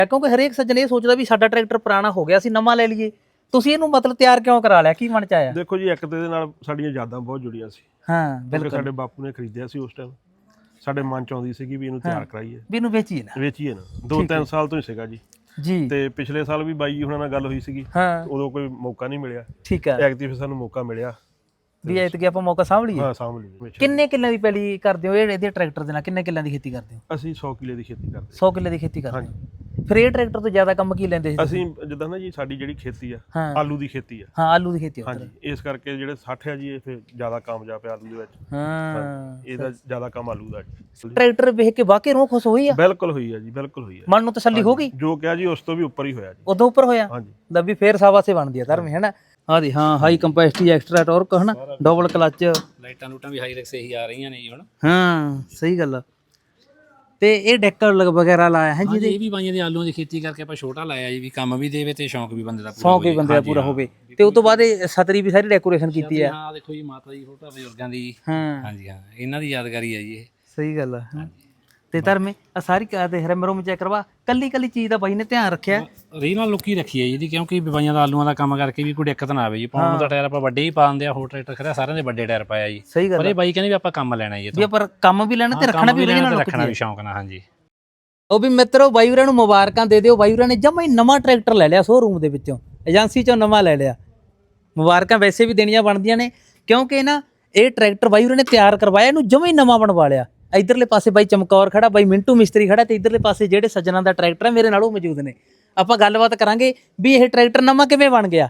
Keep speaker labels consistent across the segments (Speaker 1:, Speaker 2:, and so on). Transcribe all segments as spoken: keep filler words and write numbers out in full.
Speaker 1: ਕਿਉਂਕਿ ਹਰੇਕ ਸੱਜਣ ਇਹ ਸੋਚਦਾ ਵੀ ਸਾਡਾ ਟਰੈਕਟਰ ਪੁਰਾਣਾ ਹੋ ਗਿਆ ਸੀ ਨਵਾਂ ਲੈ ਲਈਏ। ਤੁਸੀਂ ਇਹਨੂੰ ਮਤਲਬ ਤਿਆਰ ਕਿਉਂ ਕਰਾ ਲਿਆ, ਕੀ ਮਨ ਚ ਆਇਆ?
Speaker 2: ਦੇਖੋ ਜੀ, ਇੱਕ ਤੇ ਇਹਦੇ ਨਾਲ ਸਾਡੀਆਂ ਯਾਦਾਂ ਬਹੁਤ ਜੁੜੀਆਂ ਸੀ।
Speaker 1: ਹਾਂ ਬਿਲਕੁਲ,
Speaker 2: ਸਾਡੇ ਬਾਪੂ ਨੇ ਖਰੀਦਿਆ ਸੀ ਉਸ ਟਾਈਮ, ਸਾਡੇ ਮਨ ਚ ਆਉਂਦੀ ਸੀਗੀ ਵੀ ਇਹਨੂੰ ਤਿਆਰ ਕਰਾਈਏ,
Speaker 1: ਵੀ ਇਹਨੂੰ ਵੇਚੀਏ ਨਾ
Speaker 2: ਵੇਚੀਏ ਨਾ। ਦੋ ਤਿੰਨ ਸਾਲ ਤੋਂ ਹੀ ਸੀਗਾ ਜੀ
Speaker 1: ਜੀ।
Speaker 2: ਤੇ ਪਿਛਲੇ ਸਾਲ ਵੀ ਬਾਈ ਜੀ ਹੁਣਾਂ ਨਾਲ ਗੱਲ ਹੋਈ ਸੀਗੀ,
Speaker 1: ਹਾਂ
Speaker 2: ਉਦੋਂ ਕੋਈ ਮੌਕਾ ਨਹੀਂ ਮਿਲਿਆ।
Speaker 1: ਠੀਕ ਆ,
Speaker 2: ਐਤਕੀ ਫਿਰ ਸਾਨੂੰ ਮੌਕਾ ਮਿਲਿਆ
Speaker 1: ਵੀ ਐਤਕੀ ਆਪਾਂ ਮੌਕਾ ਸਾਂਭ ਲਈਏ।
Speaker 2: ਹਾਂ ਸਾਂਭ ਲਈ।
Speaker 1: ਕਿੰਨੇ ਕਿੱਲਿਆਂ ਦੀ ਪੈਲੀ ਕਰਦੇ ਹੋ ਇਹ ਇਹਦੇ ਟਰੈਕਟਰ ਦੇ ਨਾਲ? ਕਿੰਨੇ ਕਿੱਲਿਆਂ ਦੀ ਖੇਤੀ ਕਰਦੇ ਹੋ?
Speaker 2: ਅਸੀਂ ਸੌ ਕਿੱਲੇ ਦੀ ਖੇਤੀ ਕਰਦੇ।
Speaker 1: ਸੌ ਕਿੱਲੇ ਦੀ ਖੇਤੀ ਕਰਦੇ ਹੋ। ਫਿਰ ਇਹ ਟਰੈਕਟਰ ਤੋਂ ਜ਼ਿਆਦਾ ਕੰਮ ਕੀ ਲੈਂਦੇ ਸੀ
Speaker 2: ਅਸੀਂ? ਜਿੱਦਾਂ ਨਾ ਜੀ ਸਾਡੀ ਜਿਹੜੀ ਖੇਤੀ ਆ
Speaker 1: ਹਾਂ
Speaker 2: ਆਲੂ ਦੀ ਖੇਤੀ ਆ।
Speaker 1: ਹਾਂ ਆਲੂ ਦੀ ਖੇਤੀ।
Speaker 2: ਹਾਂਜੀ, ਇਸ ਕਰਕੇ ਜਿਹੜੇ ਸੱਠ ਆ ਜੀ ਇਹ ਫਿਰ ਜ਼ਿਆਦਾ ਕਾਮਯਾਬ ਆ ਆਲੂ ਦੇ ਵਿੱਚ।
Speaker 1: ਹਾਂ
Speaker 2: ਇਹਦਾ ਜ਼ਿਆਦਾ ਕੰਮ ਆਲੂ ਦਾ ਜੀ।
Speaker 1: ਟਰੈਕਟਰ ਵੇਖ ਕੇ ਵਾਕਈ ਰੂਹ ਖੁਸ਼ ਹੋਈ ਆ?
Speaker 2: ਬਿਲਕੁਲ ਹੋਈ ਆ ਜੀ, ਬਿਲਕੁਲ ਹੋਈ ਆ।
Speaker 1: ਮਨ ਨੂੰ ਤਸੱਲੀ ਹੋ ਗਈ?
Speaker 2: ਜੋ ਕਿਹਾ ਜੀ ਉਸ ਤੋਂ ਵੀ ਉੱਪਰ ਹੀ ਹੋਇਆ ਜੀ।
Speaker 1: ਉਦੋਂ ਉੱਪਰ ਹੋਇਆ?
Speaker 2: ਹਾਂਜੀ।
Speaker 1: ਲੱਭੀ ਫੇਰ ਸਾਵਾਸੇ ਬਣਦੀ ਆ ਧਰਮੇ, ਹੈਨਾ? ਆ ਦੇ ਹਾਂ, ਹਾਈ ਕੰਪੈਸਿਟੀ, ਐਕਸਟਰਾ ਟਾਰਕ, ਹਨਾ, ਡਬਲ ਕਲਚ,
Speaker 3: ਲਾਈਟਾਂ ਲੂਟਾਂ ਵੀ ਹਾਈ ਰੈਕਸ ਇਹੀ ਆ ਰਹੀਆਂ ਨੇ ਜੀ ਹੁਣ।
Speaker 1: ਹਾਂ ਸਹੀ ਗੱਲ ਆ। ਤੇ ਇਹ ਡੈਕਰ ਵਗੈਰਾ ਲਾਇਆ ਹੈ ਜੀ?
Speaker 3: ਇਹ ਵੀ ਬਾਈਆਂ ਦੇ ਆਲੂਆਂ ਦੀ ਖੇਤੀ ਕਰਕੇ ਆਪਾਂ ਛੋਟਾ ਲਾਇਆ ਜੀ, ਵੀ ਕੰਮ ਵੀ ਦੇਵੇ ਤੇ ਸ਼ੌਂਕ ਵੀ ਬੰਦੇ ਦਾ ਪੂਰਾ
Speaker 1: ਸ਼ੌਂਕ ਵੀ ਬੰਦੇ ਦਾ ਪੂਰਾ ਹੋਵੇ। ਤੇ ਉਸ ਤੋਂ ਬਾਅਦ ਇਹ ਸਤਰੀ ਵੀ ਸਾਰੀ ਡੈਕੋਰੇਸ਼ਨ ਕੀਤੀ ਆ।
Speaker 3: ਹਾਂ ਦੇਖੋ ਜੀ, ਮਾਤਾ ਜੀ ਫੋਟੋ ਬਜ਼ੁਰਗਾਂ ਦੀ।
Speaker 1: ਹਾਂ
Speaker 3: ਹਾਂਜੀ ਹਾਂ, ਇਹਨਾਂ ਦੀ ਯਾਦਗਾਰੀ ਹੈ ਜੀ ਇਹ।
Speaker 1: ਸਹੀ ਗੱਲ ਆ। ਤੇ ਧਰਮੇ ਆ ਸਾਰੀ ਕਾ ਦੇ ਰਮ ਰੋਮ ਚੈੱਕ ਕਰਵਾ, ਕੱਲੀ ਕੱਲੀ ਚੀਜ਼ ਦਾ ਬਾਈ ਨੇ ਧਿਆਨ ਰੱਖਿਆ।
Speaker 3: ਰੀ ਨਾਲ ਲੁੱਕੀ ਰੱਖੀ ਹੈ ਜੀ ਇਹਦੀ, ਕਿਉਂਕਿ ਬਾਈਆਂ ਦਾ ਆਲੂਆਂ ਦਾ ਕੰਮ ਕਰਕੇ ਵੀ ਕੋਈ ਦਿੱਕਤ ਨਾ ਆਵੇ ਜੀ। ਪਾਉਣ ਨੂੰ ਤਾਂ ਟਾਇਰ ਆਪਾਂ ਵੱਡੇ ਹੀ ਪਾ ਦਿੰਦੇ ਆ, ਹੋਰ ਟਰੈਕਟਰ ਖੜਾ ਸਾਰਿਆਂ ਦੇ ਵੱਡੇ ਟਾਇਰ ਪਾਇਆ ਜੀ।
Speaker 1: ਸਹੀ ਗੱਲ
Speaker 3: ਪਰ ਇਹ ਬਾਈ ਕਹਿੰਦੇ ਵੀ ਆਪਾਂ ਕੰਮ ਲੈਣਾ ਜੀ,
Speaker 1: ਵੀ ਆਪਾਂ ਕੰਮ ਵੀ ਲੈਣਾ ਤੇ ਰੱਖਣਾ ਵੀ
Speaker 3: ਲੈਣਾ, ਰੱਖਣਾ ਵੀ ਸ਼ੌਂਕ ਨਾਲ। ਹਾਂਜੀ
Speaker 1: ਉਹ ਵੀ ਮਿੱਤਰੋ, ਬਾਈ ਵੀਰਾਂ ਨੂੰ ਮੁਬਾਰਕਾਂ ਦੇ ਦਿਓ। ਬਾਈ ਵੀਰਾਂ ਨੇ ਜਮਾਂ ਹੀ ਨਵਾਂ ਟਰੈਕਟਰ ਲੈ ਲਿਆ ਸ਼ੋਰੂਮ ਦੇ ਵਿੱਚੋਂ, ਏਜੰਸੀ ਚੋਂ ਨਵਾਂ ਲੈ ਲਿਆ। ਮੁਬਾਰਕਾਂ ਵੈਸੇ ਵੀ ਦੇਣੀਆਂ ਬਣਦੀਆਂ ਨੇ, ਕਿਉਂਕਿ ਨਾ ਇਹ ਟਰੈਕਟਰ ਬਾਈ ਵੀਰਾਂ ਨੇ ਤਿਆਰ ਕਰਵਾਇਆ, ਇਹਨੂੰ ਜਮਾਂ ਹੀ ਨਵਾਂ ਬਣਵਾ ਲਿਆ। ਇਧਰਲੇ ਪਾਸੇ ਬਾਈ ਚਮਕੌਰ ਖੜਾ, ਬਾਈ ਮਿੰਟੂ ਮਿਸਤਰੀ ਖੜਾ, ਤੇ ਇਧਰਲੇ ਪਾਸੇ ਜਿਹੜੇ ਸੱਜਣਾ ਦਾ ਟਰੈਕਟਰ ਹੈ ਮੇਰੇ ਨਾਲ ਉਹ ਮੌਜੂਦ ਨੇ। ਆਪਾਂ ਗੱਲਬਾਤ ਕਰਾਂਗੇ ਵੀ ਇਹ ਟਰੈਕਟਰ ਨਵਾਂ ਕਿਵੇਂ ਬਣ ਗਿਆ,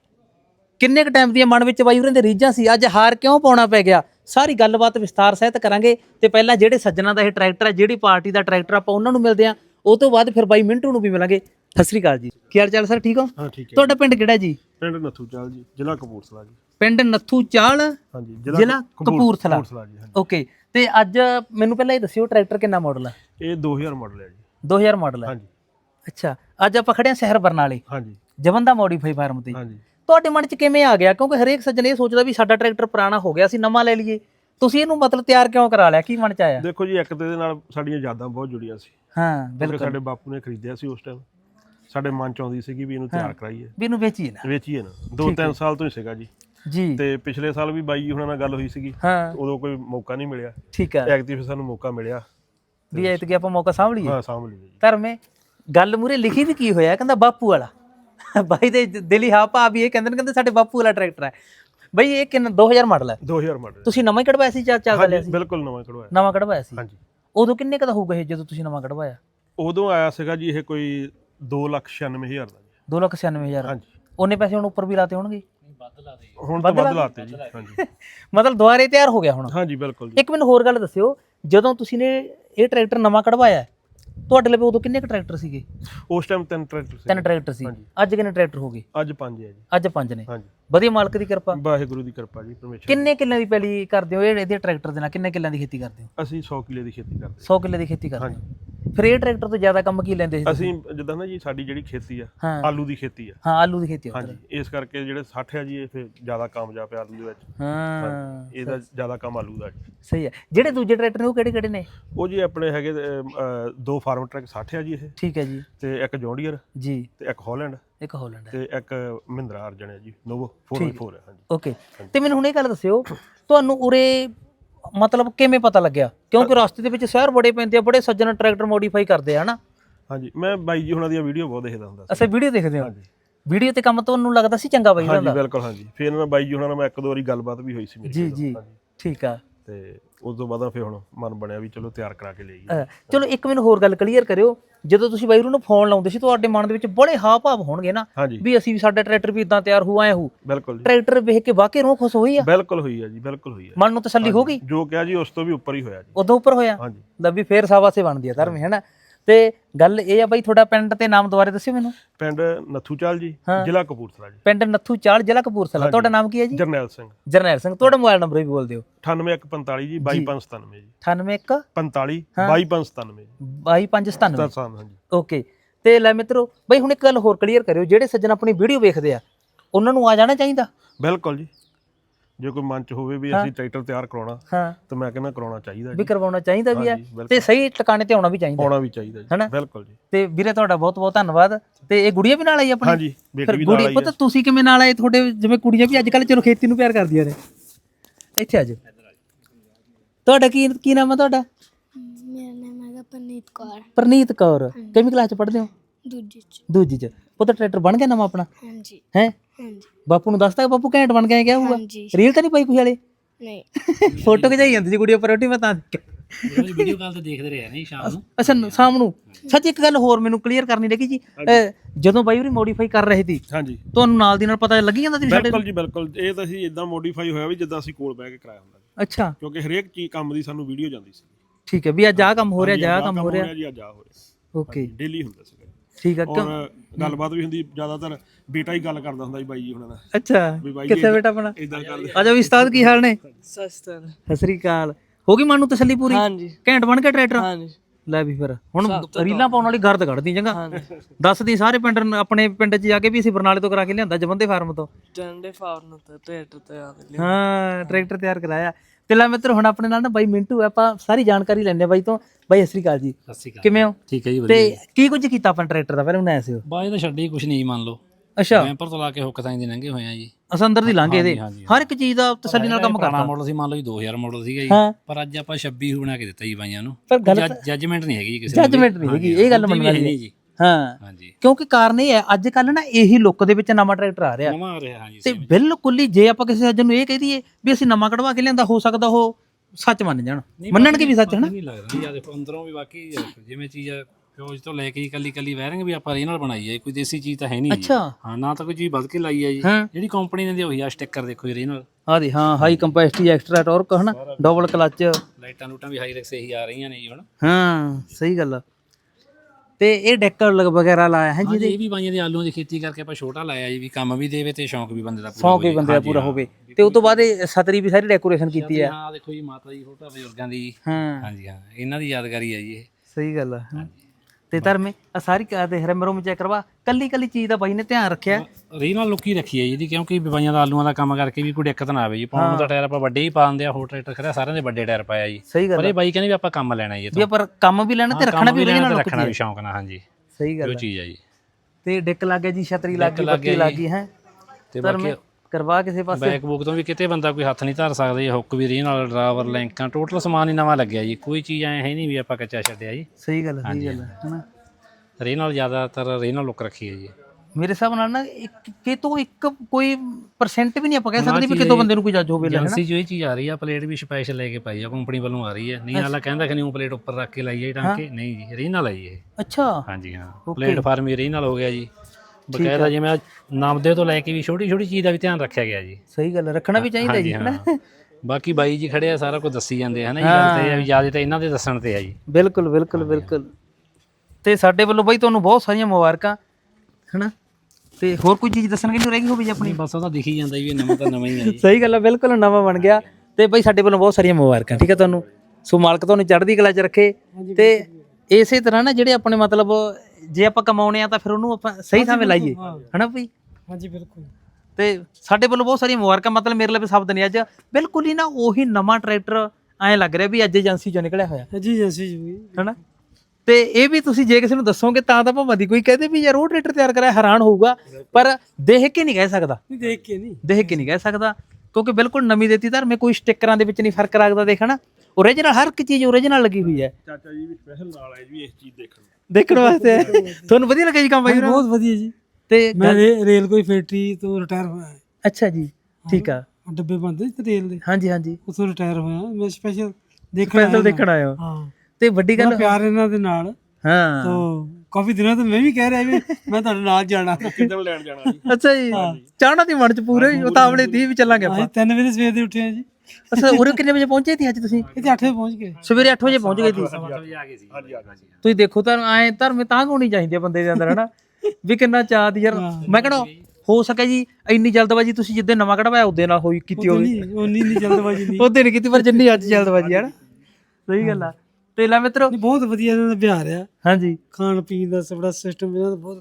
Speaker 1: ਕਿੰਨੇ ਕੁ ਟਾਈਮ ਦੀਆਂ ਮਨ ਵਿੱਚ ਬਾਈ ਵੀਰਾਂ ਦੇ ਰੀਝਾਂ ਸੀ, ਅੱਜ ਹਾਰ ਕਿਉਂ ਪਾਉਣਾ ਪੈ ਗਿਆ। ਸਾਰੀ ਗੱਲਬਾਤ ਵਿਸਤਾਰ ਸਹਿਤ ਕਰਾਂਗੇ। ਤੇ ਪਹਿਲਾਂ ਜਿਹੜੇ ਸੱਜਣਾ ਦਾ ਇਹ ਟਰੈਕਟਰ ਹੈ, ਜਿਹੜੀ ਪਾਰਟੀ ਦਾ ਟਰੈਕਟਰ, ਆਪਾਂ ਉਹਨਾਂ ਨੂੰ ਮਿਲਦੇ ਹਾਂ। ਉਹ ਤੋਂ ਬਾਅਦ ਫਿਰ ਬਾਈ ਮਿੰਟੂ ਨੂੰ ਵੀ ਮਿਲਾਂਗੇ। ਸਤਿ ਸ੍ਰੀ ਅਕਾਲ ਜੀ, ਕੀ ਹਾਲ ਚਾਲ ਸਰ? ਠੀਕ ਹੋ?
Speaker 2: ਹਾਂ ਠੀਕ ਹੈ।
Speaker 1: ਤੁਹਾਡਾ ਪਿੰਡ ਕਿਹੜਾ ਜੀ?
Speaker 2: ਪਿੰਡ ਨੱਥੂ ਚਾਲ ਜੀ, ਜ਼ਿਲ੍ਹਾ ਕਪੂਰਥਲਾ ਜੀ।
Speaker 1: ਪਿੰਡ ਨੱਥੂ ਚਾਲ,
Speaker 2: ਹਾਂਜੀ,
Speaker 1: ਜ਼ਿਲ੍ਹਾ ਕਪੂਰਥਲਾ
Speaker 2: ਜੀ।
Speaker 1: ਓਕੇ। ਤੇ ਅੱਜ ਮੈਨੂੰ ਪਹਿਲਾਂ ਇਹ ਦੱਸਿਓ ਟਰੈਕਟਰ ਕਿੰਨਾ ਮਾਡਲ ਹੈ?
Speaker 2: ਇਹ ਦੋ ਹਜ਼ਾਰ ਮਾਡਲ ਹੈ ਜੀ।
Speaker 1: ਦੋ ਹਜ਼ਾਰ ਮਾਡਲ ਹੈ?
Speaker 2: ਹਾਂਜੀ।
Speaker 1: ਅੱਛਾ, ਅੱਜ ਆਪਾਂ ਖੜੇ ਹਾਂ ਸ਼ਹਿਰ ਬਰਨਾਲੇ।
Speaker 2: ਹਾਂਜੀ।
Speaker 1: ਜਵਨ ਦਾ ਮੋਡੀਫਾਈ ਫਾਰਮ ਤੇ।
Speaker 2: ਹਾਂਜੀ।
Speaker 1: ਤੁਹਾਡੇ ਮਨ 'ਚ ਕਿਵੇਂ ਆ ਗਿਆ? ਕਿਉਂਕਿ ਹਰੇਕ ਸੱਜਣ ਇਹ ਸੋਚਦਾ ਵੀ ਸਾਡਾ ਟਰੈਕਟਰ ਪੁਰਾਣਾ ਹੋ ਗਿਆ ਸੀ ਨਵਾਂ ਲੈ ਲਈਏ। ਤੁਸੀਂ ਇਹਨੂੰ ਮਤਲਬ ਤਿਆਰ ਕਿਉਂ ਕਰਾ ਲਿਆ, ਕੀ ਮਨ 'ਚ ਆਇਆ?
Speaker 2: ਦੇਖੋ ਜੀ, ਇੱਕ ਤੇ ਇਹਦੇ ਨਾਲ ਸਾਡੀਆਂ ਯਾਦਾਂ ਬਹੁਤ ਜੁੜੀਆਂ ਸੀ।
Speaker 1: ਹਾਂ ਬਿਲਕੁਲ,
Speaker 2: ਸਾਡੇ ਬਾਪੂ ਨੇ ਖਰੀਦਿਆ ਸੀ ਉਸ ਟਾਈਮ, ਸਾਡੇ ਮਨ ਚ ਆਉਂਦੀ ਸੀਗੀ ਵੀ ਇਹਨੂੰ ਤਿਆਰ ਕਰਾਈਏ,
Speaker 1: ਵੀ ਇਹਨੂੰ ਵੇਚੀਏ ਨਾ।
Speaker 2: ਵੇਚੀਏ ਨਾ। ਦੋ ਤਿੰਨ ਸਾਲ ਤੋਂ ਹੀ ਸੀਗਾ ਜੀ
Speaker 1: ਜੀ।
Speaker 2: ਤੇ ਪਿਛਲੇ ਸਾਲ ਵੀ ਬਾਈ ਜੀ ਹੁਣਾਂ ਨਾਲ ਗੱਲ ਹੋਈ ਸੀਗੀ,
Speaker 1: ਹਾਂ
Speaker 2: ਉਦੋਂ ਕੋਈ ਮੌਕਾ ਨਹੀਂ ਮਿਲਿਆ।
Speaker 1: ਠੀਕ ਆ,
Speaker 2: ਐਤਕੀ ਫਿਰ ਸਾਨੂੰ ਮੌਕਾ ਮਿਲਿਆ,
Speaker 1: ਵੀ ਐਤਕੀ ਆਪਾਂ ਮੌਕਾ ਸਾਂਭ ਲਈਏ।
Speaker 2: ਹਾਂ ਸਾਂਭ ਲਈਏ ਜੀ।
Speaker 1: ਧਰਮੇ ਗੱਲ ਮੂਰੇ ਲਿਖੀ ਵੀ ਕੀ ਹੋਇਆ, ਕਹਿੰਦਾ ਬਾਪੂ ਵਾਲਾ। ਬਾਈ ਦੇ ਦਿਲੀ ਹਾਂ ਭਾ ਵੀ ਇਹ ਕਹਿੰਦੇ ਨੇ, ਕਹਿੰਦੇ ਸਾਡੇ ਬਾਪੂ ਵਾਲਾ ਟਰੈਕਟਰ ਹੈ। ਬਈ ਇਹ ਕਿੰਨਾ ਦੋ ਹਜ਼ਾਰ ਮਾਡਲ ਹੈ?
Speaker 2: ਦੋ ਹਜ਼ਾਰ ਮਾਡਲ।
Speaker 1: ਤੁਸੀਂ ਨਵਾਂ ਹੀ ਕਢਵਾਇਆ ਸੀ ਜਾਂ ਚੱਲਦਾ ਲਿਆ ਸੀ?
Speaker 2: ਬਿਲਕੁਲ ਨਵਾਂ ਕਢਵਾਇਆ।
Speaker 1: ਨਵਾਂ ਕਢਵਾਇਆ ਸੀ?
Speaker 2: ਹਾਂਜੀ।
Speaker 1: ਉਦੋਂ ਕਿੰਨੇ ਕਦਾ ਹੋਊਗਾ ਇਹ ਜਦੋਂ ਤੁਸੀਂ ਨਵਾਂ ਕਢਵਾਇਆ?
Speaker 2: ਉਦੋਂ ਆਇਆ ਸੀਗਾ ਜੀ ਇਹ ਕੋਈ ਦੋ ਲੱਖ ਛਿਆਨਵੇਂ ਹਜ਼ਾਰ ਦਾ ਜੀ।
Speaker 1: ਦੋ ਲੱਖ ਛਿਆਨਵੇਂ ਹਜ਼ਾਰ?
Speaker 2: ਹਾਂਜੀ।
Speaker 1: ਉਹਨੇ ਪੈਸੇ ਹੁਣ ਉੱਪਰ ਵੀ ਲਾਤੇ ਹੋਣਗੇ?
Speaker 2: ਹੁਣ ਤਾਂ ਵੱਧ ਲਾਤੇ ਜੀ। ਹਾਂਜੀ।
Speaker 1: ਮਤਲਬ ਦੁਬਾਰੇ ਤਿਆਰ ਹੋ ਗਿਆ ਹੁਣ?
Speaker 2: ਹਾਂਜੀ ਬਿਲਕੁਲ ਜੀ।
Speaker 1: ਇੱਕ ਮੈਨੂੰ ਹੋਰ ਗੱਲ ਦੱਸਿਓ, ਜਦੋਂ ਤੁਸੀਂ ਨੇ ਇਹ ਟਰੈਕਟਰ ਨਵਾਂ ਕਢਵਾਇਆ, ਤੁਹਾਡੇ ਲਈ ਉਦੋਂ ਕਿੰਨੇ ਕੁ ਟਰੈਕਟਰ ਸੀਗੇ?
Speaker 2: ਉਸ ਟਾਈਮ ਤਿੰਨ ਟਰੈਕਟਰ ਸੀ।
Speaker 1: ਤਿੰਨ ਟਰੈਕਟਰ ਸੀ। ਅੱਜ ਕਿੰਨੇ ਟਰੈਕਟਰ ਹੋ ਗਏ?
Speaker 2: ਅੱਜ ਪੰਜ ਹੈ ਜੀ।
Speaker 1: ਅੱਜ ਪੰਜ ਨੇ?
Speaker 2: ਹਾਂਜੀ।
Speaker 1: ਵਧੀਆ ਮਾਲਕ ਦੀ ਕਿਰਪਾ,
Speaker 2: ਵਾਹਿਗੁਰੂ ਦੀ ਕਿਰਪਾ ਜੀ, ਪਰਮੇਸ਼ਰ।
Speaker 1: ਕਿੰਨੇ ਕਿੱਲਿਆਂ ਦੀ ਪੈਲੀ ਕਰਦੇ ਹੋ ਇਹ ਇਹਦੇ ਟਰੈਕਟਰ ਦੇ ਨਾਲ? ਕਿੰਨੇ ਕਿੱਲਿਆਂ ਦੀ ਖੇਤੀ ਕਰਦੇ ਹੋ?
Speaker 2: ਅਸੀਂ ਸੌ ਕਿੱਲੇ ਦੀ ਖੇਤੀ ਕਰਦੇ।
Speaker 1: ਸੌ ਕਿੱਲੇ ਦੀ ਖੇਤੀ ਕਰਦੇ ਹੋ? ਫਿਰ ਇਹ ਟਰੈਕਟਰ ਤੋਂ ਜ਼ਿਆਦਾ ਕੰਮ ਕੀ ਲੈਂਦੇ ਸੀ?
Speaker 2: ਅਸੀਂ ਜਿੱਦਾਂ ਨਾ ਜੀ ਸਾਡੀ ਜਿਹੜੀ ਖੇਤੀ ਆ ਆਲੂ ਦੀ ਖੇਤੀ ਆ।
Speaker 1: ਹਾਂ ਆਲੂ ਦੀ ਖੇਤੀ।
Speaker 2: ਹਾਂਜੀ, ਇਸ ਕਰਕੇ ਜਿਹੜੇ ਸੱਠ ਆ ਜੀ ਇਹ ਫਿਰ ਜ਼ਿਆਦਾ ਕਾਮਯਾਬ ਆ ਆਲੂ ਦੇ ਵਿੱਚ।
Speaker 1: ਹਾਂ
Speaker 2: ਇਹਦਾ ਜ਼ਿਆਦਾ ਕੰਮ ਆਲੂ ਦਾ ਜੀ।
Speaker 1: ਸਹੀ ਹੈ। ਜਿਹੜੇ ਦੂਜੇ ਟਰੈਕਟਰ ਨੇ ਉਹ ਕਿਹੜੇ ਕਿਹੜੇ ਨੇ?
Speaker 2: ਉਹ ਜੀ ਆਪਣੇ ਹੈਗੇ ਦੋ ਫਾਰਮ ਟਰੈਕ ਸੱਠ ਆ ਜੀ ਇਹ।
Speaker 1: ਠੀਕ ਹੈ ਜੀ।
Speaker 2: ਤੇ ਇੱਕ ਜੌਂਡੀਅਰ ਜੀ, ਤੇ ਇੱਕ ਹਾਲੈਂਡ,
Speaker 1: ਇੱਕ ਹਾਲੈਂਡ
Speaker 2: ਤੇ ਇੱਕ ਮਹਿੰਦਰਾ ਅਰਜਨ ਹੈ ਜੀ, ਨੋਵੋ ਚਾਰ ਬਾਈ ਚਾਰ ਹੈ। ਹਾਂਜੀ।
Speaker 1: ਓਕੇ। ਤੇ ਮੈਨੂੰ ਹੁਣ ਇਹ ਗੱਲ ਦੱਸਿਓ, ਤੁਹਾਨੂੰ ਉਰੇ ਮਤਲਬ ਕਿਵੇਂ ਪਤਾ ਲੱਗਿਆ? ਕਿਉਂਕਿ ਰਸਤੇ ਦੇ ਵਿੱਚ ਸ਼ਹਿਰ ਬੜੇ ਪੈਂਦੇ ਆ, ਬੜੇ ਸੱਜਣ ਟਰੈਕਟਰ ਮੋਡੀਫਾਈ ਕਰਦੇ ਆ ਹਨਾ।
Speaker 2: ਹਾਂਜੀ, ਮੈਂ ਬਾਈ ਜੀ ਹੁਣਾਂ ਦੀਆਂ ਵੀਡੀਓ ਬਹੁਤ ਦੇਖਦਾ ਹੁੰਦਾ ਸੀ।
Speaker 1: ਅੱਛਾ, ਵੀਡੀਓ ਦੇਖਦੇ ਹੋ?
Speaker 2: ਹਾਂਜੀ।
Speaker 1: ਵੀਡੀਓ ਤੇ ਕੰਮ ਤੁਹਾਨੂੰ ਲੱਗਦਾ ਸੀ ਚੰਗਾ ਬਾਈ
Speaker 2: ਹਾਂਜੀ ਬਿਲਕੁਲ। ਹਾਂਜੀ, ਫਿਰ ਇਹਨਾਂ ਬਾਈ ਜੀ ਹੁਣਾਂ ਨਾਲ ਮੈਂ ਇੱਕ ਦੋ ਵਾਰੀ ਗੱਲਬਾਤ ਵੀ ਹੋਈ ਸੀ ਮੇਰੀ।
Speaker 1: ਜੀ ਜੀ ਠੀਕ ਆ।
Speaker 2: ਤੇ ਉਸ ਤੋਂ ਬਾਅਦ ਫਿਰ ਹੁਣ ਮਨ ਬਣਿਆ ਵੀ ਚਲੋ ਤਿਆਰ ਕਰਾ ਕੇ ਲਈਏ।
Speaker 1: ਚਲੋ ਇੱਕ ਮੈਨੂੰ ਹੋਰ ਗੱਲ ਕਲੀਅਰ ਕਰਿਓ, ਜਦੋਂ ਤੁਸੀਂ ਬਾਈ ਨੂੰ ਫੋਨ ਲਾਉਂਦੇ ਸੀ ਤੁਹਾਡੇ ਮਨ ਦੇ ਵਿੱਚ ਬੜੇ ਹਾਵ ਭਾਵ ਹੋਣਗੇ ਨਾ ਵੀ ਅਸੀਂ ਵੀ ਸਾਡਾ ਟਰੈਕਟਰ ਵੀ ਇਦਾਂ ਤਿਆਰ ਹੋ ਆਏ ਹੋ? ਬਿਲਕੁਲ। ਟਰੈਕਟਰ ਵੇਖ ਕੇ ਵਾਕਈ ਰੂਹ ਖੁਸ਼ ਹੋਈ ਆ?
Speaker 2: ਬਿਲਕੁਲ ਹੋਈ ਆ ਜੀ, ਬਿਲਕੁਲ ਹੋਈ ਆ।
Speaker 1: ਮਨ ਨੂੰ ਤਸੱਲੀ ਹੋ ਗਈ? ਜੋ
Speaker 2: ਕਿਹਾ ਜੀ ਉਸ ਤੋਂ ਵੀ ਉੱਪਰ ਹੀ ਹੋਇਆ ਜੀ।
Speaker 1: ਉਦੋਂ ਉੱਪਰ ਹੋਇਆ? ਹਾਂਜੀ। ਲੱਭੀ ਫੇਰ ਸਾਵਾਸੇ ਬਣਦੀ ਆ ਧਰਮੇ, ਹੈਨਾ? ਤੇ ਗੱਲ ਇਹ ਆ ਬਾਈ, ਤੁਹਾਡਾ ਪਿੰਡ ਤੇ ਨਾਮ ਦੁਬਾਰੇ ਦੱਸਿਓ ਮੈਨੂੰ।
Speaker 2: ਪਿੰਡ ਨੱਥੂ ਚਾਲ ਜੀ, ਜ਼ਿਲ੍ਹਾ ਕਪੂਰਥਲਾ ਜੀ।
Speaker 1: ਪਿੰਡ ਨੱਥੂ ਚਾਲ, ਜ਼ਿਲ੍ਹਾ ਕਪੂਰਥਲਾ। ਤੁਹਾਡਾ ਨਾਮ ਕੀ ਹੈ ਜੀ? ਜਰਨੈਲ ਸਿੰਘ। ਜਰਨੈਲ ਸਿੰਘ। ਤੁਹਾਡਾ ਮੋਬਾਈਲ ਨੰਬਰ ਵੀ ਬੋਲ ਦਿਓ।
Speaker 2: ਅਠਾਨਵੇਂ ਇੱਕ ਪੰਤਾਲੀ ਜੀ, ਬਾਈ ਪੰਜ ਸਤਾਨਵੇਂ ਜੀ।
Speaker 1: ਅਠਾਨਵੇਂ ਇੱਕ
Speaker 2: ਪੰਤਾਲੀ ਬਾਈ ਪੰਜ ਸਤਾਨਵੇਂ
Speaker 1: ਬਾਈ ਪੰਜ ਸਤਾਨਵੇਂ।
Speaker 2: ਹਾਂਜੀ।
Speaker 1: ਓਕੇ। ਤੇ ਲੈ ਮਿੱਤਰੋ, ਬਾਈ ਹੁਣ ਇੱਕ ਗੱਲ ਹੋਰ ਕਲੀਅਰ ਕਰਿਓ, ਜਿਹੜੇ ਸੱਜਣ ਆਪਣੀ ਵੀਡੀਓ ਵੇਖਦੇ ਆ ਉਹਨਾਂ ਨੂੰ ਆ ਜਾਣਾ ਚਾਹੀਦਾ?
Speaker 2: ਬਿਲਕੁਲ ਜੀ, ਜੇ ਕੋਈ ਮਨ ਚ ਹੋਵੇ ਵੀ ਅਸੀਂ ਟਰੈਕਟਰ ਤਿਆਰ ਕਰਾਉਣਾ
Speaker 1: ਹਾਂ
Speaker 2: ਤਾਂ ਮੈਂ ਕਹਿੰਦਾ ਕਰਾਉਣਾ ਚਾਹੀਦਾ
Speaker 1: ਵੀ
Speaker 2: ਜੀ,
Speaker 1: ਕਰਵਾਉਣਾ ਚਾਹੀਦਾ ਵੀ ਹੈ
Speaker 2: ਹਾਂਜੀ, ਬਿਲਕੁਲ।
Speaker 1: ਤੇ ਸਹੀ ਟਿਕਾਣੇ ਤੇ ਆਉਣਾ ਵੀ ਚਾਹੀਦਾ
Speaker 2: ਆਉਣਾ ਵੀ ਚਾਹੀਦਾ ਜੀ,
Speaker 1: ਹਨਾ?
Speaker 2: ਬਿਲਕੁਲ ਜੀ।
Speaker 1: ਤੇ ਵੀਰੇ ਤੁਹਾਡਾ ਬਹੁਤ ਬਹੁਤ ਧੰਨਵਾਦ। ਤੇ ਇਹ ਗੁੜੀਆ ਵੀ ਨਾਲ ਆਈ ਆਪਣੀ?
Speaker 2: ਹਾਂਜੀ ਬੇਟੀ
Speaker 1: ਫਿਰ
Speaker 2: ਵੀ ਨਾਲ
Speaker 1: ਗੁੜੀ
Speaker 2: ਆਈ
Speaker 1: ਪਤਾ
Speaker 2: ਹੈ।
Speaker 1: ਤੁਸੀਂ ਕਿਵੇਂ ਨਾਲ ਆਏ? ਤੁਹਾਡੇ ਜਿਵੇਂ ਕੁੜੀਆਂ ਵੀ ਅੱਜ ਕੱਲ੍ਹ ਚਲੋ ਖੇਤੀ ਨੂੰ ਪਿਆਰ ਕਰਦੀਆਂ ਨੇ। ਇੱਥੇ ਆ ਜਾਓ। ਤੁਹਾਡਾ ਕੀ ਕੀ ਨਾਮ ਹੈ ਤੁਹਾਡਾ?
Speaker 4: ਮੇਰਾ ਨਾਮ ਹੈਗਾ ਪਰਨੀਤ ਕੌਰ।
Speaker 1: ਪ੍ਰਨੀਤ ਕੌਰ। ਕਿੰਨੀ ਕਲਾਸ ਚ ਪੜ੍ਹਦੇ ਹੋ?
Speaker 4: ਦੂਜੀ ਚ।
Speaker 1: ਦੂਜੀ ਚ। ਪੁੱਤ ਟਰੈਕਟਰ ਬਣ ਗਿਆ ਨਵਾਂ ਆਪਣਾ?
Speaker 4: ਹਾਂਜੀ
Speaker 1: ਹੈ
Speaker 4: ਹਾਂਜੀ
Speaker 1: ਬਾਪੂ ਨੂੰ ਦੱਸਦਾ ਬਾਪੂ ਘੈਂਟ ਬਣ ਗਿਆ ਕਿਆ ਹੋਊਗਾ?
Speaker 4: ਹਾਂਜੀ
Speaker 1: ਰੀਲ ਤਾਂ ਨਹੀਂ ਪਾਈ ਕੋਈ ਵਾਲੇ?
Speaker 4: ਨਹੀਂ
Speaker 1: ਫੋਟੋ ਖਿਚਾਈ ਜਾਂਦੀ ਸੀ ਕੁੜੀ ਉੱਪਰ ਰੋਟੀ ਮੈਂ ਤਾਂ
Speaker 3: ਰੋਜ਼ ਵੀਡੀਓ ਕਾਲ ਤੇ ਦੇਖਦੇ ਰਹੇ ਨਹੀਂ ਸ਼ਾਮ ਨੂੰ।
Speaker 1: ਅੱਛਾ ਸ਼ਾਮ ਨੂੰ। ਸੱਚ ਇੱਕ ਗੱਲ ਹੋਰ ਮੈਨੂੰ ਕਲੀਅਰ ਕਰਨੀ ਲੱਗੀ ਜੀ, ਅਹ, ਜਦੋਂ ਬਾਈ ਹੋਰੀ ਮੋਡੀਫਾਈ ਕਰ ਰਹੇ ਸੀ
Speaker 2: ਹਾਂਜੀ
Speaker 1: ਤੁਹਾਨੂੰ ਨਾਲ ਦੀ ਨਾਲ ਪਤਾ ਲੱਗੀ ਜਾਂਦਾ ਸੀ ਸਾਡੇ?
Speaker 2: ਬਿਲਕੁਲ ਜੀ ਬਿਲਕੁਲ। ਇਹ ਤਾਂ ਅਸੀਂ ਇਦਾਂ ਮੋਡੀਫਾਈ ਹੋਇਆ ਵੀ ਜਿੱਦਾਂ ਅਸੀਂ ਕੋਲ ਬਹਿ ਕੇ ਕਰਾਇਆ ਹੁੰਦਾ ਜੀ,
Speaker 1: ਅੱਛਾ
Speaker 2: ਕਿਉਂਕਿ ਹਰੇਕ ਚੀਜ਼ ਕੰਮ ਦੀ ਸਾਨੂੰ ਵੀਡੀਓ ਜਾਂਦੀ ਸੀ।
Speaker 1: ਠੀਕ ਹੈ ਵੀ ਅੱਜ ਆਹ ਕੰਮ ਹੋ ਰਿਹਾ,
Speaker 2: ਹਾਂਜੀ,
Speaker 1: ਜਾ
Speaker 2: ਆਹ
Speaker 1: ਕੰਮ ਹੋ ਰਿਹਾ।
Speaker 2: ਜੀ ਅੱਜ ਆ ਹੋ ਰਿਹਾ।
Speaker 1: ਓਕੇ
Speaker 2: ਡੇਲੀ ਹੁੰਦਾ ਸੀਗਾ ਜੀ।
Speaker 1: ਠੀਕ ਹੈ ਕਿਉਂ?
Speaker 2: ਔਰ ਗੱਲਬਾਤ ਵੀ ਹੁੰਦੀ, ਜ਼ਿਆਦਾਤਰ ਬੇਟਾ ਹੀ ਗੱਲ ਕਰਦਾ ਹੁੰਦਾ ਜੀ ਬਾਈ ਜੀ ਹੁਣਾਂ ਨਾਲ
Speaker 1: ਅੱਛਾ
Speaker 2: ਵੀ ਬਾਈ
Speaker 1: ਕਿੱਥੇ ਬੇਟਾ ਆਪਣਾ?
Speaker 2: ਇਦਾਂ ਕਰਦੇ।
Speaker 1: ਆ ਜਾਓ ਉਸਤਾਦ, ਕੀ ਹਾਲ ਨੇ?
Speaker 5: ਸਸਤਰ
Speaker 1: ਸਤਿ ਸ੍ਰੀ ਅਕਾਲ। ਹੋ ਗਈ ਮਨ ਨੂੰ ਤਸੱਲੀ ਪੂਰੀ?
Speaker 5: ਹਾਂਜੀ
Speaker 1: ਘੈਂਟ ਬਣ ਕੇ ਟਰੈਕਟਰ?
Speaker 5: ਹਾਂਜੀ
Speaker 1: ਲੈ ਵੀ ਫਿਰ ਹੁਣ ਰੀਲਾਂ ਪਾਉਣ ਵਾਲੀ ਗਰਦ ਕੱਢਦੀ ਚੰਗਾ।
Speaker 5: ਹਾਂਜੀ
Speaker 1: ਦੱਸਦੀ ਸਾਰੇ ਪਿੰਡ ਨੂੰ, ਆਪਣੇ ਪਿੰਡ 'ਚ ਜਾ ਕੇ ਵੀ ਅਸੀਂ ਬਰਨਾਲੇ ਤੋਂ ਕਰਾ ਕੇ ਲਿਆਂਦਾ, ਜਵੰਦੇ ਫਾਰਮ ਤੋਂ।
Speaker 5: ਡੰਡੇ ਫਾਰਨ ਤੇ ਟਰੈਕਟਰ ਤੇ ਆ ਗਏ।
Speaker 1: ਹਾਂ ਟਰੈਕਟਰ ਤਿਆਰ ਕਰਾਇਆ। ਤੇ ਲੈ ਮਿੱਤਰ ਹੁਣ ਆਪਣੇ ਨਾਲ ਨਾ ਬਾਈ ਮਿੰਟੂ ਹੈ, ਆਪਾਂ ਸਾਰੀ ਜਾਣਕਾਰੀ ਲੈਣੇ ਆ ਬਾਈ ਤੋਂ। ਬਾਈ ਸਤਿ ਸ੍ਰੀ ਅਕਾਲ ਜੀ।
Speaker 3: ਸਤਿ ਸ਼੍ਰੀ ਅਕਾਲ।
Speaker 1: ਕਿਵੇਂ ਹੋ?
Speaker 3: ਠੀਕ ਹੈ ਜੀ ਵਧੀਆ।
Speaker 1: ਤੇ ਕੀ ਕੁਝ ਕੀਤਾ ਆਪਾਂ ਟਰੈਕਟਰ ਦਾ ਪਹਿਲਾਂ ਬਣਾਇਆ ਸੀ?
Speaker 3: ਬਾਈ ਤਾਂ ਛੱਡੀ ਕੁਛ ਨਹੀਂ ਮੰਨ ਲਓ।
Speaker 1: ਅੱਛਾ
Speaker 3: ਵੈਂਪਰ ਤੋਂ ਲਾ ਕੇ ਹੁੱਕ ਤਾਈਂ ਦੇ ਲੰਘੇ ਹੋਏ ਆ ਜੀ।
Speaker 1: ਅਸਾਂ ਅੰਦਰ ਦੀ ਲੰਘੇ ਇਹਦੇ
Speaker 3: ਹਾਂਜੀ,
Speaker 1: ਹਰ ਇੱਕ ਚੀਜ਼ ਦਾ ਤਸੱਲੀ ਨਾਲ ਕੰਮ
Speaker 3: ਪੁਰਾਣਾ
Speaker 1: ਕਰਦਾ।
Speaker 3: ਮਾਡਲ ਸੀ ਮੰਨ ਲਓ ਜੀ, ਦੋ ਹਜ਼ਾਰ ਮਾਡਲ ਸੀਗਾ ਜੀ,
Speaker 1: ਹਾਂ
Speaker 3: ਪਰ ਅੱਜ ਆਪਾਂ ਛੱਬੀ ਹੀ ਬਣਾ ਕੇ ਦਿੱਤਾ ਜੀ ਬਾਈਆਂ ਨੂੰ।
Speaker 1: ਪਰ ਗੱਲ
Speaker 3: ਜੱਜਮੈਂਟ ਨਹੀਂ ਹੈਗੀ ਜੀ ਕਿਸੇ ਦੀ।
Speaker 1: ਜੱਜਮੈਂਟ ਨਹੀਂ ਹੈਗੀ, ਇਹ ਗੱਲ ਮੰਨਣਾ
Speaker 3: ਨਹੀਂ ਜੀ।
Speaker 1: ਹਾਂ
Speaker 3: ਹਾਂਜੀ
Speaker 1: ਕਿਉਂਕਿ ਕਾਰਨ ਇਹ ਹੈ ਅੱਜ ਕੱਲ ਨਾ ਇਹੀ ਲੁੱਕ ਦੇ ਵਿੱਚ ਨਵਾਂ ਟਰੈਕਟਰ ਆ ਰਿਹਾ
Speaker 3: ਨਵਾਂ ਆ ਰਿਹਾ ਹਾਂਜੀ।
Speaker 1: ਤੇ ਬਿਲਕੁਲ ਹੀ ਜੇ ਆਪਾਂ ਕਿਸੇ ਸੱਜਣ ਨੂੰ ਇਹ ਕਹਿ ਦਈਏ ਵੀ ਅਸੀਂ ਨਵਾਂ ਕਢਵਾ ਕੇ ਲਿਆਂਦਾ, ਹੋ ਸਕਦਾ ਉਹ ਸੱਚ ਮੰਨ ਜਾਣ, ਮੰਨਣਗੇ ਵੀ ਸੱਚ ਹਨਾ।
Speaker 3: ਨਹੀਂ ਲੱਗਦਾ ਜੀ, ਆ ਦੇਖੋ ਅੰਦਰੋਂ ਵੀ ਵਾਕਈ ਜਿਵੇਂ ਚੀਜ਼ ਫਿਊਜ਼ ਤੋਂ ਲੈ ਕੇ ਇਕੱਲੀ ਇਕੱਲੀ ਵਾਇਰਿੰਗ ਵੀ ਆਪਾਂ ਰੀਜਨਲ ਬਣਾਈ ਹੈ, ਕੋਈ ਦੇਸੀ ਚੀਜ਼ ਤਾਂ ਹੈ ਨਹੀਂ ਜੀ।
Speaker 1: ਅੱਛਾ
Speaker 3: ਹਾਂ ਨਾ ਤਾਂ ਕੋਈ ਚੀਜ਼ ਵੱਧ ਕੇ ਲਾਈ ਹੈ ਜੀ,
Speaker 1: ਹਾਂ
Speaker 3: ਜਿਹੜੀ ਕੰਪਨੀ ਨੇ ਦੀ ਉਹੀ ਆ ਸਟicker ਦੇਖੋ ਜੀ ਰੀਜਨਲ।
Speaker 1: ਆ ਦੇ ਹਾਂ ਹਾਈ ਕੰਪੈਸਿਟੀ ਐਕਸਟਰਾ ਟਾਰਕ ਹਨਾ, ਡਬਲ ਕਲਚ,
Speaker 3: ਲਾਈਟਾਂ ਲੂਟਾਂ ਵੀ ਹਾਈਰੈਕਸ ਇਹੀ ਆ ਰਹੀਆਂ ਨੇ ਜੀ ਹੁਣ।
Speaker 1: ਹਾਂ ਸਹੀ ਗੱਲ ਆ। ਤੇ ਇਹ ਡੈਕਰ ਵਗੈਰਾ ਲਾਇਆ ਹੈ ਜੀ?
Speaker 3: ਇਹ ਵੀ ਬਾਈਆਂ ਦੇ ਆਲੂਆਂ ਦੀ ਖੇਤੀ ਕਰਕੇ ਆਪਾਂ ਛੋਟਾ ਲਾਇਆ ਜੀ, ਵੀ ਕੰਮ ਵੀ ਦੇਵੇ ਤੇ ਸ਼ੌਂਕ ਵੀ ਬੰਦੇ ਦਾ ਪੂਰਾ
Speaker 1: ਸੌਂਕ ਵੀ ਬੰਦੇ ਦਾ ਪੂਰਾ ਹੋਵੇ। ਤੇ ਉਸ ਤੋਂ ਬਾਅਦ ਇਹ ਸਤਰੀ ਵੀ ਸਾਰੀ ਡੈਕੋਰੇਸ਼ਨ ਕੀਤੀ ਹੈ।
Speaker 3: ਹਾਂ ਦੇਖੋ ਜੀ ਮਾਤਾ ਜੀ ਫੋਟੋ ਬਜ਼ੁਰਗਾਂ ਦੀ।
Speaker 1: ਹਾਂ
Speaker 3: ਹਾਂਜੀ ਹਾਂ ਇਹਨਾਂ ਦੀ ਯਾਦਗਾਰੀ ਹੈ ਜੀ ਇਹ।
Speaker 1: ਸਹੀ ਗੱਲ ਆ। ਤੇ ਧਰਮੇ ਆ ਸਾਰੀ ਤੇ ਹਰਮ ਰੋਮ ਚੈੱਕ ਕਰਵਾ, ਕੱਲੀ ਕੱਲੀ ਚੀਜ਼ ਦਾ ਬਾਈ ਨੇ ਧਿਆਨ ਰੱਖਿਆ।
Speaker 3: ਰੀਜਨਲ ਲੁੱਕ ਹੀ ਰੱਖੀ ਹੈ ਜੀ ਇਹਦੀ, ਕਿਉਂਕਿ ਬਾਈਆਂ ਦਾ ਆਲੂਆਂ ਦਾ ਕੰਮ ਕਰਕੇ ਵੀ ਕੋਈ ਦਿੱਕਤ ਨਾ ਆਵੇ ਜੀ। ਪਾਉਣ ਨੂੰ ਤਾਂ ਟਾਇਰ ਆਪਾਂ ਵੱਡੇ ਹੀ ਪਾ ਦਿੰਦੇ ਆ, ਹੋਰ ਟਰੈਕਟਰ ਖੜਾ ਸਾਰਿਆਂ ਦੇ ਵੱਡੇ ਟਾਇਰ ਪਾਇਆ ਜੀ।
Speaker 1: ਸਹੀ ਗੱਲ
Speaker 3: ਪਰ ਇਹ ਬਾਈ ਕਹਿੰਦੇ ਵੀ ਆਪਾਂ ਕੰਮ ਲੈਣਾ ਜੀ ਇਹ
Speaker 1: ਵੀ
Speaker 3: ਤੋਂ।
Speaker 1: ਪਰ ਕੰਮ ਵੀ ਲੈਣਾ ਤੇ ਰੱਖਣਾ ਵੀ ਉਹਦੇ ਨਾਲ
Speaker 3: ਰੱਖਣਾ ਵੀ ਸ਼ੌਂਕ ਨਾਲ। ਹਾਂਜੀ
Speaker 1: ਸਹੀ ਗੱਲ
Speaker 3: ਉਹ ਚੀਜ਼ ਹੈ ਜੀ।
Speaker 1: ਤੇ ਡਿੱਕ ਲੱਗ ਗਿਆ ਜੀ, ਛਤਰੀ ਲੱਗ ਗਈ, ਬੱਤੀ ਲੱਗ ਗਈ ਹੈ
Speaker 3: ਤੇ
Speaker 1: ਧਰਮੇ ਕਰਵਾ ਕਿਸੇ ਪਾਸੇ।
Speaker 3: ਬੈਕ ਬੁੱਕ ਤੋਂ ਵੀ ਕਿਤੇ ਬੰਦਾ ਕੋਈ ਹੱਥ ਨਹੀਂ ਧਰ ਸਕਦਾ ਜੀ। ਹੁੱਕ ਵੀ ਰੀਜਨਲ, ਡਰਾਈਵਰ, ਲੈਂਕਾਂ, ਟੋਟਲ ਸਮਾਨ ਹੀ ਨਵਾਂ ਲੱਗਿਆ ਜੀ। ਕੋਈ ਚੀਜ਼ ਐ ਹੈ ਨਹੀਂ ਵੀ ਆਪਾਂ ਕੱਚਾ ਛੱਡਿਆ ਜੀ।
Speaker 1: ਸਹੀ ਗੱਲ ਹੈ, ਸਹੀ ਗੱਲ ਹੈ ਹਨਾ।
Speaker 3: ਰੀਜਨਲ ਜ਼ਿਆਦਾਤਰ ਰੀਜਨਲ ਲੁੱਕ ਰੱਖੀ ਹੈ ਜੀ
Speaker 1: ਮੇਰੇ ਹਿਸਾਬ ਨਾਲ ਨਾ ਇੱਕ ਕਿਤੋਂ ਇੱਕ ਕੋਈ ਪਰਸੈਂਟ ਵੀ ਨਹੀਂ ਆਪਾਂ ਕਹਿ ਸਕਦੇ ਵੀ ਕਿਤੋਂ ਬੰਦੇ ਨੂੰ ਕੋਈ ਜੱਜ ਹੋਵੇ। ਲੈ
Speaker 3: ਏਜੰਸੀ ਜੋ ਇਹ ਚੀਜ਼ ਆ ਰਹੀ ਆ, ਪਲੇਟ ਵੀ ਸਪੈਸ਼ਲ ਲੈ ਕੇ ਪਾਈ ਆ, ਕੰਪਨੀ ਵੱਲੋਂ ਆ ਰਹੀ ਹੈ। ਨਹੀਂ ਹਾਲਾ ਕਹਿੰਦਾ ਕਿ ਨਿਊ ਪਲੇਟ ਉੱਪਰ ਰੱਖ ਕੇ ਲਾਈਏ ਟਾਂਕੇ, ਨਹੀਂ ਜੀ ਰੀਜਨਲ ਹੈ ਜੀ ਇਹ।
Speaker 1: ਅੱਛਾ
Speaker 3: ਹਾਂਜੀ ਹਾਂ ਪਲੇਟਫਾਰਮ ਹੀ ਰੀਜਨਲ ਹੋ ਗਿਆ ਜੀ ਬਕਾਇਦਾ। ਜਿਵੇਂ ਨਾਮਦੇ ਤੋਂ ਲੈ ਕੇ ਵੀ ਛੋਟੀ ਛੋਟੀ ਚੀਜ਼ ਦਾ ਵੀ ਧਿਆਨ ਰੱਖਿਆ ਗਿਆ ਜੀ।
Speaker 1: ਸਹੀ ਗੱਲ ਰੱਖਣਾ ਵੀ ਚਾਹੀਦਾ ਜੀ ਹਨਾ।
Speaker 3: ਬਾਕੀ ਬਾਈ ਜੀ ਖੜੇ ਆ, ਸਾਰਾ ਕੁਝ ਦੱਸੀ ਜਾਂਦੇ ਆ ਹਨਾ ਜੀ। ਗੱਲ ਤੇ ਇਹ ਆ ਵੀ ਜ਼ਿਆਦਾ ਤਾਂ ਇਹਨਾਂ ਦੇ ਦੱਸਣ ਤੇ ਆ ਜੀ।
Speaker 1: ਬਿਲਕੁਲ ਬਿਲਕੁਲ ਬਿਲਕੁਲ। ਤੇ ਸਾਡੇ ਵੱਲੋਂ ਬਾਈ ਤੁਹਾਨੂੰ ਬਹੁਤ ਸਾਰੀਆਂ ਮੁਬਾਰਕਾਂ ਹਨਾ। ਤੇ ਹੋਰ ਕੋਈ ਚੀਜ਼ ਦੱਸਣ ਕਿ ਨਹੀਂ ਰਹਿ ਗਈ ਹੋਵੇ ਜੀ ਆਪਣੀ?
Speaker 3: ਬਸ ਉਹ ਤਾਂ ਦਿਖੀ ਜਾਂਦਾ ਜੀ, ਇਹ ਨਵਾਂ ਤਾਂ ਨਵਾਂ ਹੀ ਆ ਜੀ।
Speaker 1: ਸਹੀ ਗੱਲ ਆ, ਬਿਲਕੁਲ ਨਵਾਂ ਬਣ ਗਿਆ। ਤੇ ਬਾਈ ਸਾਡੇ ਵੱਲੋਂ ਬਹੁਤ ਸਾਰੀਆਂ ਮੁਬਾਰਕਾਂ, ਠੀਕ ਹੈ ਤੁਹਾਨੂੰ। ਸੋ ਮਾਲਕ ਤੁਹਾਨੂੰ ਚੜ੍ਹਦੀ ਕਲਾ 'ਚ ਰੱਖੇ। ਤੇ ਇਸੇ ਤਰ੍ਹਾਂ ਨਾ ਜਿਹੜੇ ਆਪਣੇ ਮਤਲਬ ਜੇ ਆਪਾਂ ਕਮਾਉਣੇ ਆ ਤਾਂ ਫਿਰ ਉਹਨੂੰ ਆਪਾਂ ਸਹੀ ਥਾਂ 'ਤੇ ਲਾਈਏ ਹਨਾ ਬਈ।
Speaker 5: ਹਾਂਜੀ ਬਿਲਕੁਲ।
Speaker 1: ਤੇ ਸਾਡੇ ਵੱਲੋਂ ਬਹੁਤ ਸਾਰੀਆਂ ਮੁਬਾਰਕਾਂ। ਮਤਲਬ ਮੇਰੇ ਲਈ ਸ਼ਬਦ ਨਹੀਂ ਅੱਜ, ਬਿਲਕੁਲ ਹੀ ਨਾ ਉਹੀ ਨਵਾਂ ਟਰੈਕਟਰ ਐਂ ਲੱਗ ਰਿਹਾ ਵੀ ਅੱਜ ਏਜੰਸੀ 'ਚੋਂ ਨਿਕਲਿਆ ਹੋਇਆ
Speaker 5: ਜੀ ਏਜੰਸੀ ਜੀ
Speaker 1: ਹਨਾ। ਤੇ ਇਹ ਵੀ ਤੁਸੀਂ ਜੇ ਕਿਸੇ ਨੂੰ ਦੱਸੋਗੇ ਤਾਂ ਤਾਂ ਭਾਵੇਂ ਦੀ ਕੋਈ ਕਹਦੇ ਵੀ ਯਾਰ ਉਹ ਟਰੈਕਟਰ ਤਿਆਰ ਕਰਾਇਆ, ਹੈਰਾਨ ਹੋਊਗਾ। ਪਰ ਦੇਖ ਕੇ ਨਹੀਂ ਕਹਿ ਸਕਦਾ,
Speaker 5: ਨਹੀਂ ਦੇਖ ਕੇ ਨਹੀਂ
Speaker 1: ਦੇਖ ਕੇ ਨਹੀਂ ਕਹਿ ਸਕਦਾ ਕਿਉਂਕਿ ਬਿਲਕੁਲ ਨਵੀਂ ਦੇਤੀ ਧਰਮੇ। ਕੋਈ ਸਟਿੱਕਰਾਂ ਦੇ ਵਿੱਚ ਨਹੀਂ ਫਰਕ ਰੱਖਦਾ ਦੇਖਣਾ, ਓਰੀਜਨਲ ਹਰ ਇੱਕ ਚੀਜ਼ ਓਰੀਜਨਲ ਲੱਗੀ ਹੋਈ ਹੈ।
Speaker 2: ਚਾਚਾ ਜੀ ਵੀ ਸਪੈਸ਼ਲ ਨਾਲ ਆਏ ਜੀ ਇਸ ਚੀਜ਼ ਦੇਖਣ
Speaker 1: ਦੇਖਣ ਵਾਸਤੇ। ਤੁਹਾਨੂੰ ਵਧੀਆ ਲੱਗਿਆ ਜੀ ਕੰਮ ਬਾਈ?
Speaker 5: ਬਹੁਤ ਵਧੀਆ ਜੀ।
Speaker 1: ਤੇ
Speaker 5: ਮੈਂ ਰੇਲ ਕੋਈ ਫੈਕਟਰੀ ਤੋਂ ਰਿਟਾਇਰ ਹੋਇਆ।
Speaker 1: ਅੱਛਾ ਜੀ ਠੀਕ ਆ।
Speaker 5: ਡੱਬੇ ਬਣਦੇ ਤੇ ਰੇਲ ਦੇ,
Speaker 1: ਹਾਂਜੀ ਹਾਂਜੀ।
Speaker 5: ਉੱਥੋਂ ਰਿਟਾਇਰ ਹੋਇਆ ਮੈਂ। ਸਪੈਸ਼ਲ ਦੇਖਣ
Speaker 1: ਸਪੈਸ਼ਲ ਦੇਖਣ ਆਏ ਹੋ?
Speaker 5: ਹਾਂ।
Speaker 1: ਤੇ ਵੱਡੀ ਗੱਲ
Speaker 5: ਪਿਆਰ ਇਹਨਾਂ ਦੇ ਨਾਲ।
Speaker 1: ਹਾਂ
Speaker 5: ਤਾਂ ਕਾਫੀ ਦਿਨਾਂ ਤੋਂ ਮੈਂ ਵੀ ਕਹਿ ਰਿਹਾ ਵੀ ਮੈਂ ਤੁਹਾਡੇ ਨਾਲ ਜਾਣਾ।
Speaker 2: ਕਿੱਦਾਂ ਲੈਣ ਜਾਣਾ ਜੀ?
Speaker 1: ਅੱਛਾ ਜੀ ਚਾਹਣਾ ਦੀ ਮਨ ਚ ਪੂਰੇ ਉਤਾਵਲੇ ਦੀ ਵੀ ਚੱਲਾਂਗੇ ਆਪਾਂ।
Speaker 5: ਅਸੀਂ ਤਿੰਨ ਵਜੇ ਸਵੇਰ ਦੇ ਉੱਠੇ ਆ ਜੀ।
Speaker 1: ਅੱਛਾ ਉਰੇ ਕਿੰਨੇ ਵਜੇ ਪਹੁੰਚੇ ਸੀ ਅੱਜ ਤੁਸੀਂ?
Speaker 5: ਇੱਥੇ ਅੱਠ ਵਜੇ ਪਹੁੰਚ ਗਏ।
Speaker 1: ਸਵੇਰੇ ਅੱਠ ਵਜੇ ਪਹੁੰਚ ਗਏ ਸੀ।
Speaker 2: ਹਾਂਜੀ ਆ ਗਏ ਸੀ।
Speaker 1: ਤੁਸੀਂ ਦੇਖੋ ਤਾਂ ਐ ਧਰਮ ਤਾਂ ਹੋਣੀ ਚਾਹੀਦੀ ਹੈ ਬੰਦੇ ਦੇ ਅੰਦਰ ਹਨਾ ਵੀ ਕਿੰਨਾ ਚਾਹ ਦੀ ਯਾਰ। ਮੈਂ ਕਹਿੰਦਾ ਹੋ ਸਕੇ ਜੀ ਇੰਨੀ ਜਲਦਬਾਜੀ ਤੁਸੀਂ ਜਿੱਦੇ ਨਵਾਂ ਕਢਵਾਇਆ ਉਹਦੇ ਨਾਲ ਹੋਈ ਕੀਤੀ ਹੋਵੇ।
Speaker 5: ਉਨੀ ਨਹੀਂ ਜਲਦਬਾਜੀ ਨਹੀਂ
Speaker 1: ਉਹਦੇ ਨਹੀਂ ਕੀਤੀ ਪਰ ਜਿੰਨੀ ਅੱਜ ਜਲਦਬਾਜੀ ਹੈ ਨਾ। ਸਹੀ ਗੱਲ ਆ। ਤੇ ਲੈ ਮਿੱਤਰੋ
Speaker 5: ਬਹੁਤ ਵਧੀਆ ਇਹਨਾਂ ਦਾ ਵਿਹਾਰ ਆ।
Speaker 1: ਹਾਂਜੀ
Speaker 5: ਖਾਣ ਪੀਣ ਦਾ ਬੜਾ ਸਿਸਟਮ ਇਹਨਾਂ ਦਾ ਬਹੁਤ ਵਧੀਆ।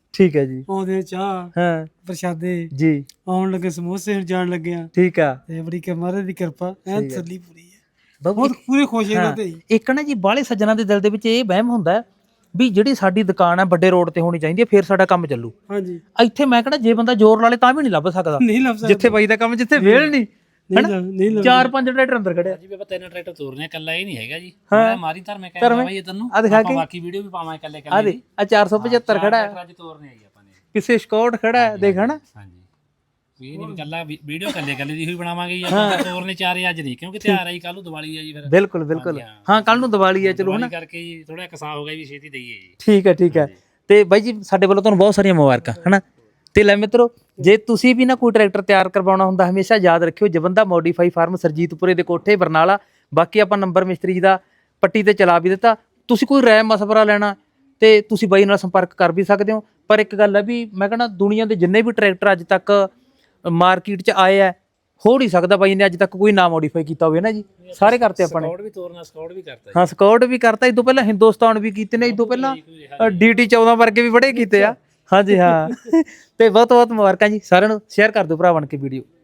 Speaker 1: ਠੀਕ ਹੈ ਜੀ।
Speaker 5: ਆਉਂਦੇ ਚਾਹ
Speaker 1: ਹਾਂ
Speaker 5: ਪ੍ਰਸ਼ਾਦੇ
Speaker 1: ਜੀ
Speaker 5: ਆਉਣ ਲੱਗੇ ਸਮੋਸੇ ਜਾਣ ਲੱਗਿਆ
Speaker 1: ਠੀਕ ਆ
Speaker 5: ਤੇ ਬੜੀ ਕਿ ਮਹਾਰਾਜ ਦੀ ਕਿਰਪਾ ਐ ਤਸੱਲੀ ਪੂਰੀ ਹੈ
Speaker 1: ਬਾਬੂ
Speaker 5: ਬਹੁਤ ਪੂਰੇ ਖੁਸ਼ ਇਹਨਾਂ
Speaker 1: ਹਾਂ,
Speaker 5: ਤੇ ਹੀ।
Speaker 1: ਇੱਕ ਨਾ ਜੀ ਬਾਹਲੇ ਸੱਜਣਾ ਦੇ ਦਿਲ ਦੇ ਵਿੱਚ ਇਹ ਵਹਿਮ ਹੁੰਦਾ ਹੈ ਵੀ ਜਿਹੜੀ ਸਾਡੀ ਦੁਕਾਨ ਹੈ ਵੱਡੇ ਰੋਡ ਤੇ ਹੋਣੀ ਚਾਹੀਦੀ ਹੈ ਫਿਰ ਸਾਡਾ ਕੰਮ ਚੱਲੂ।
Speaker 5: ਹਾਂਜੀ
Speaker 1: ਇੱਥੇ ਮੈਂ ਕਹਿੰਦਾ ਜੇ ਬੰਦਾ ਜ਼ੋਰ ਲਾ ਲੇ ਤਾਂ ਵੀ ਨਹੀਂ ਲੱਭ ਸਕਦਾ
Speaker 5: ਨਹੀਂ ਲੱਭ ਸਕਦਾ
Speaker 1: ਜਿੱਥੇ ਬਾਈ ਦਾ ਕੰਮ ਜਿੱਥੇ ਵੇਲ ਨਹੀਂ
Speaker 5: ਨਹੀਂ ਲੱਭ ਨਹੀਂ ਲੱਭ
Speaker 1: ਚਾਰ ਪੰਜ ਟਰੈਕਟਰ ਅੰਦਰ ਖੜਿਆ
Speaker 3: ਜੀ ਵੀ ਆਪਾਂ ਤਿੰਨ ਟਰੈਕਟਰ ਤੋਰਨੇ ਇਕੱਲਾ ਇਹ ਨਹੀਂ ਹੈਗਾ ਜੀ ਮੈਂ ਮਾਰੀ ਧਰਮੇ ਕਹਿੰਦਾ ਬਾਈ ਤੈਨੂੰ
Speaker 1: ਆ ਦਿਖਾ
Speaker 3: ਆਪਾਂ
Speaker 1: ਕੇ
Speaker 3: ਬਾਕੀ ਵੀਡੀਓ ਵੀ ਪਾਵਾਂਗੇ ਇਕੱਲੇ
Speaker 1: ਆ
Speaker 3: ਇਕੱਲੇ
Speaker 1: ਦੇ ਆ ਚਾਰ ਸੌ ਪਝੱਤਰ ਖੜਾ ਹੈ
Speaker 3: ਟਰੈਕਟਰ ਅੱਜ ਤੋਰਨੇ ਆਈ ਆਪਾਂ ਨੇ
Speaker 1: ਪਿੱਛੇ ਸਕਾਟ ਖੜਾ ਹੈ ਦੇਖ ਹਨਾ
Speaker 3: ਹਾਂਜੀ ਇਹ ਨਹੀਂ ਇਕੱਲਾ ਵੀਡੀਓ ਇਕੱਲੇ ਇਕੱਲੇ ਦੀ ਹੀ ਬਣਾਵਾਂਗੇ ਜੀ ਆਪਾਂ ਤੋਰਨੇ ਚਾਰੇ ਅੱਜ ਨਹੀਂ ਕਿਉਂਕਿ ਤਿਉਹਾਰ ਆਈ ਕੱਲ ਨੂੰ ਦੀਵਾਲੀ ਆ ਜੀ ਫਿਰ
Speaker 1: ਬਿਲਕੁਲ ਬਿਲਕੁਲ ਹਾਂ ਕੱਲ ਨੂੰ ਦੀਵਾਲੀ ਹੈ ਚਲੋ ਹਨਾ
Speaker 3: ਦੀਵਾਲੀ ਕਰਕੇ ਜੀ ਥੋੜਾ ਕਸਾ ਹੋ ਗਿਆ ਵੀ ਛੇਤੀ ਦਈਏ ਜੀ
Speaker 1: ਠੀਕ ਹੈ ਠੀਕ ਹੈ ਤੇ ਬਾਈ ਜੀ ਸਾਡੇ ਵੱਲੋਂ ਤੁਹਾਨੂੰ ਬਹੁਤ ਸਾਰੀਆਂ ਮੁਬਾਰਕਾਂ ਹਨਾ। ਤੇ ਲੈ ਮਿੱਤਰੋ ਜੇ ਤੁਸੀਂ ਵੀ ਨਾ ਕੋਈ ਟਰੈਕਟਰ ਤਿਆਰ ਕਰਵਾਉਣਾ ਹੁੰਦਾ ਹਮੇਸ਼ਾ ਯਾਦ ਰੱਖਿਓ ਜਵੰਦਾ ਮੋਡੀਫਾਈ ਫਾਰਮ ਸਰਜੀਤਪੁਰੇ ਦੇ ਕੋਠੇ ਬਰਨਾਲਾ। ਬਾਕੀ ਆਪਾਂ ਨੰਬਰ ਮਿਸਤਰੀ ਜੀ ਦਾ ਪੱਟੀ ਤੇ ਚਲਾ ਵੀ ਦਿੱਤਾ। ਤੁਸੀਂ ਕੋਈ ਰਾਏ ਮਸ਼ਵਰਾ ਲੈਣਾ ਤੇ ਤੁਸੀਂ ਬਾਈ ਨਾਲ ਸੰਪਰਕ ਕਰ ਵੀ ਸਕਦੇ ਹੋ। ਪਰ ਇੱਕ ਗੱਲ ਹੈ ਵੀ ਮੈਂ ਕਹਿੰਦਾ ਦੁਨੀਆ ਦੇ ਜਿੰਨੇ ਵੀ ਟਰੈਕਟਰ ਅੱਜ ਤੱਕ ਮਾਰਕੀਟ 'ਚ ਆਏ ਆ ਹੋ ਨਹੀਂ ਸਕਦਾ ਬਾਈ ਨੇ ਅੱਜ ਤੱਕ ਕੋਈ ਨਾ ਮੋਡੀਫਾਈ ਕੀਤਾ ਹੋਵੇ ਨਾ ਜੀ ਸਾਰੇ ਕਰਤੇ ਆਪਾਂ ਨੇ।
Speaker 3: ਸਕਾਊਟ ਵੀ ਤੋਰਨਾ ਸਕਾਊਟ ਵੀ ਕਰਤਾ
Speaker 1: ਹਾਂ ਸਕਾਊਟ ਵੀ ਕਰਤਾ ਇਸ ਤੋਂ ਪਹਿਲਾਂ ਹਿੰਦੁਸਤਾਨ ਵੀ ਕੀਤੇ ਨੇ ਇਸ ਤੋਂ ਪਹਿਲਾਂ ਡੀਟੀ ਚੌਦਾਂ ਵਰਗੇ ਵੀ ਬੜੇ ਕੀਤੇ ਆ ਹਾਂਜੀ ਹਾਂ ਤੇ ਬਹੁਤ ਬਹੁਤ ਮੁਬਾਰਕਾਂ ਜੀ ਸਾਰਿਆਂ ਨੂੰ ਸ਼ੇਅਰ ਕਰ ਦਿਓ ਭਰਾ ਬਣ ਕੇ ਵੀਡੀਓ।